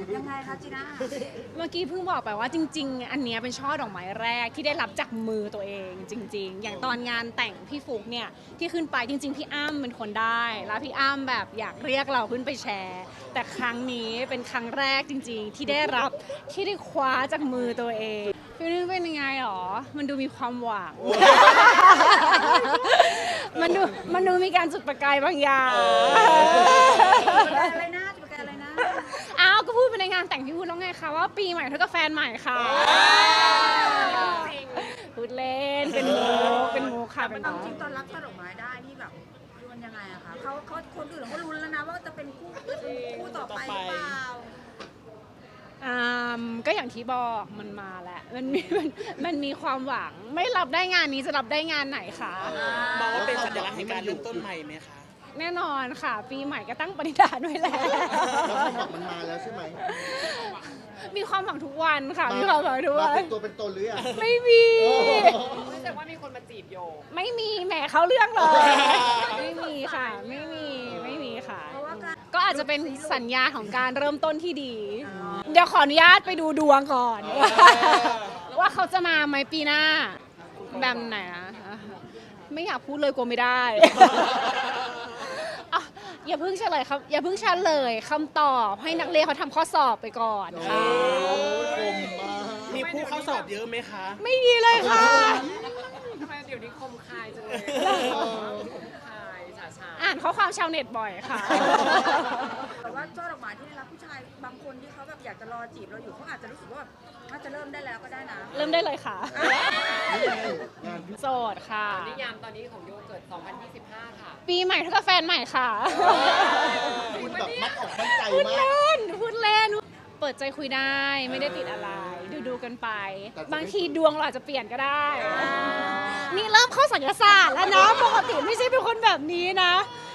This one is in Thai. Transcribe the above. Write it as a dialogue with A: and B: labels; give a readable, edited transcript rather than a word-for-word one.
A: ยังไงคะจีน่า
B: เมื่อกี้เพิ่งบอกไปว่าจริงๆ อันเนี้ยเป็นช่อดอกไม้แรกที่ได้รับจากมือตัวเองจริงๆ อย่างตอนงานแต่งพี่ฟุกเนี่ยที่ขึ้นไปจริงๆ พี่อ้ำเป็นคนได้ แล้วพี่อ้ำแบบอยากเรียกเราขึ้นไปแชร์ แต่ครั้งนี้เป็นครั้งแรกจริงๆ ที่ได้รับที่ได้คว้าจากมือตัวเองฟีลลิ่งเป็นยังไงหรอ มันดูมีความหวัง มันดูมีการจุดประกายบางอย่าง
A: อะไรนะจะเป็นอะไรนะ
B: อ้าวก็พูดไปในงานแต่งพี่พูดแล้วไงคะว่าปีใหม่เท่ากับแฟนใหม่ค่ะพูดเล่นเป็นมุกค่ะเป็น
A: เอา
B: มุก
A: จริงตอนรับช่อดอกไม้ได้นี่แบบคือมันยังไงอะคะเขาคนอื่นเขาลุ้นแล้วนะว่าจะเป็นคู่ต่อไปหรือเปล่า
B: ก็อย่างที่บอกมันมาแหละมันมีความหวังไม่รับได้งานนี้จะรับได้งานไหนคะ
C: มองว่าเป็นสัญลักษณ์ในการเริ่มต้นใหม่ไหมคะ
B: แน่นอนค่ะ ปีใหม่ก็ตั้งปณิธานไว้แล้ว
D: แล้วความหวังมันมาแล้วใช่ไหม
B: มีความหวังทุกวันค่ะมีความหวังทุก
D: มา
B: วั
D: เป็น นตัวเป็นตนหรือยัง
B: ไม่มี
E: รู้สึกว่ามีคนมาจีบโย
B: ไม่มีแหมเขาเรื่องเลยไม่มีค่ะไม่มีค่ะ
A: เพราะว่าการ
B: ก็อาจจะเป็นสัญญาของการเริ่มต้นที่ดี เดี๋ยวขออนุญาตไปดูดวงก่อน ว่าเขาจะมาไหมปีหน้า แบบไหนนะไม่อยากพูดเลยกลัวไม่ได้ อ่ะอย่าเพิ่งเฉลยครับอย่าเพิ่งเฉลยคำตอบให้นักเรียนเขาทำข้อสอบไปก่อนค่ะ
D: คมมาก
C: มีผู้เข้าสอบเยอะไหมคะ
B: ไม่มีเลยค่ะ
E: ทำไมเดี๋ยวนี้คมคายจังเลยคมคายฉาฉา
B: อ่านข้อความชาวเน็ตบ่อยค่ะ
A: แต่ว่าช่อดอกไม้ที่ได้รับผู้ชายบางคนที่เขาแบบอยากจะรอจีบเราอยู่เขาอาจจะรู้สึกว่าแบบน่าจะเริ่มได้แล้วก็ได้นะ
B: เริ่มได้เลยค่ะ
D: งาน
B: โสดค่ะ
E: นิยามตอนนี้ของโยเกิร์ต 2025 ค่ะ
B: ปีใหม่เท่ากับแฟนใหม่ค่ะ
D: คุณแบบมัดออกมั่นใจ
B: พูด
D: มาก
B: เล่นพูดเล่น เปิดใจคุยได้ไม่ได้ติดอะไร ดูกันไป บางทีดวงเราอาจจะเปลี่ยนก็ได้ นี่เริ่มเข้าสัญญาศาสตร์แล้วนะปกติไม่ใช่เป็นคนแบบนี้นะ